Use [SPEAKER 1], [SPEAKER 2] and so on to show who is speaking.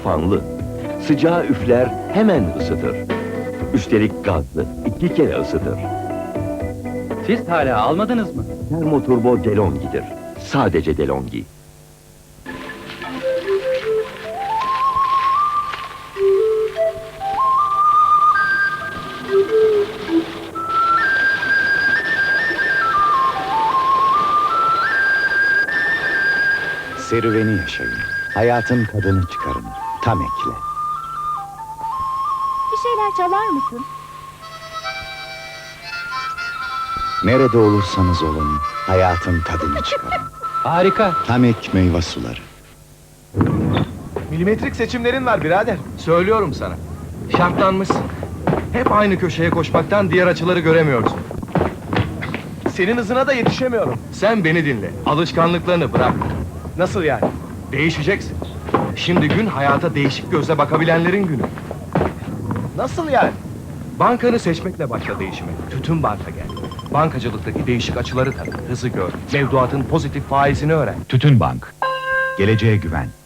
[SPEAKER 1] fanlı. Sıcağı üfler, hemen ısıtır. Üstelik gazlı, 2 kere ısıtır.
[SPEAKER 2] Siz hala almadınız mı?
[SPEAKER 1] Termoturbo DeLonghi'dir. Sadece DeLonghi.
[SPEAKER 3] Serüveni yaşayın. Hayatın tadını çıkarın. Tam ekle.
[SPEAKER 4] Bir şeyler çalar mısın?
[SPEAKER 3] Nerede olursanız olun, hayatın tadını çıkarın.
[SPEAKER 2] Harika.
[SPEAKER 3] Tamek meyve suları.
[SPEAKER 5] Milimetrik seçimlerin var birader. Söylüyorum sana. Şartlanmışsın. Hep aynı köşeye koşmaktan diğer açıları göremiyorsun. Senin hızına da yetişemiyorum. Sen beni dinle. Alışkanlıklarını bırak. Nasıl yani? Değişeceksin. Şimdi gün hayata değişik gözle bakabilenlerin günü. Nasıl yani? Bankanı seçmekle başla değişime. Tütün banka gel. Bankacılıktaki değişik açıları tanı. Hızı gör. Mevduatın pozitif faizini öğren.
[SPEAKER 3] Tütün Bank. Geleceğe güven.